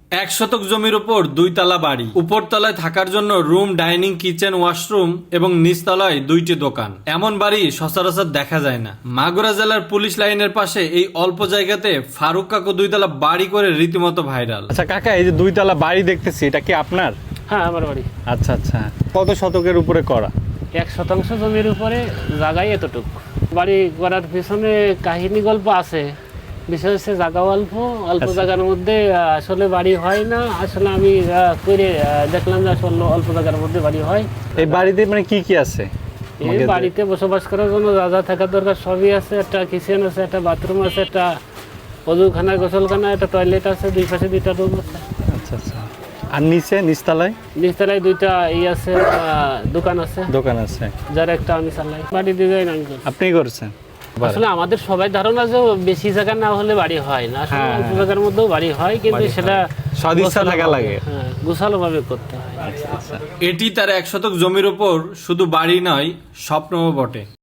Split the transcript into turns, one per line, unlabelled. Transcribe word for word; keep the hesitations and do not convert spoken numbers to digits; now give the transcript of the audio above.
এক শতক জমির উপর দুই তলা বাড়ি, উপর তলায় থাকার জন্য রুম, ডাইনিং, কিচেন, ওয়াশরুম এবং নিচতলায় দুইটি দোকান। এমন বাড়ি সচরাচর দেখা যায় না। মাগুরা জেলার পুলিশ লাইনের পাশে এই অল্প জায়গাতে ফারুক কাকু দুইতলা বাড়ি করে রীতিমতো ভাইরাল।
আচ্ছা কাকা, এই যে দুইতলা বাড়ি দেখতেছি, এটা কি আপনার?
হ্যাঁ, আমার বাড়ি।
আচ্ছা আচ্ছা, কত শতকের উপরে করা?
এক শতাংশ জমির উপরে, জায়গায় এতটুক। বাড়ি করার পিছনে কাহিনী গল্প আছে। বিশেষ হচ্ছে জায়গা অল্প অল্প জায়গার মধ্যে আসলে বাড়ি হয় না। আসলে আমি করে দেখলাম যে আসলে অল্প জায়গার মধ্যে বাড়ি হয়।
এই বাড়িতে মানে কি কি আছে?
এই বাড়িতে বসবাস করার জন্য যা যা থাকার দরকার সবই আছে। একটা কিচেন আছে, একটা বাথরুম আছে, একটা অজুখানা, গোসলখানা, একটা টয়লেট আছে, দুই পাশে দুইটা রুম আছে।
আচ্ছা আচ্ছা। আর নিচে নিচতলায়?
নিচতলায় দুইটা ই আছে, দোকান আছে।
দোকান আছে,
যার একটা আমি চালাই। বাড়ি ডিজাইন আমি করছি।
আপনি করছেন?
আসলে আমাদের সবাই ধারণা যে বেশি জায়গা না হলে বাড়ি হয় না। আসলে
হ্যাঁ,
অল্প জায়গার মধ্যেও বাড়ি হয়, কিন্তু সেটা
সদিচ্ছা থাকা লাগে।
হ্যাঁ, গোছালো ভাবে করতে হয়।
আচ্ছা আচ্ছা।
এটি তার এক শতক জমির উপর শুধু বাড়ি নয়, স্বপ্নও বটে।